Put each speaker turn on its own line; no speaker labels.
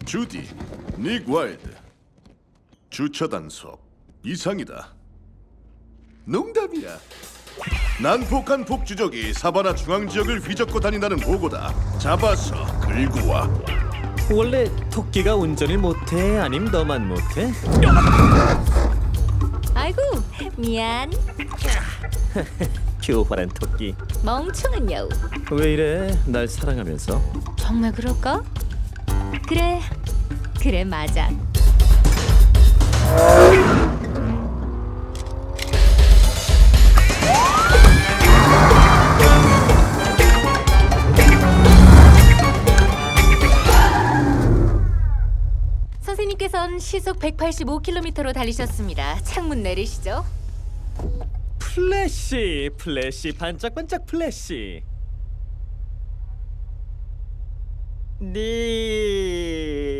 주디, 닉 와일드. 주차 단속 이상이다. 농담이야. 난폭한 폭주족이 사바나 중앙 지역을 휘젓고 다닌다는 보고다. 잡아서 끌고 와.
원래 토끼가 운전을 못해? 아님 너만 못해?
아이고, 미안.
교활한 토끼.
멍청한 여우.
왜 이래? 날 사랑하면서.
정말 그럴까? 그래, 그래 맞아. 선생님께서는 시속 185km로 달리셨습니다. 창문 내리시죠.
플래시, 플래시, 반짝반짝 플래시. 네.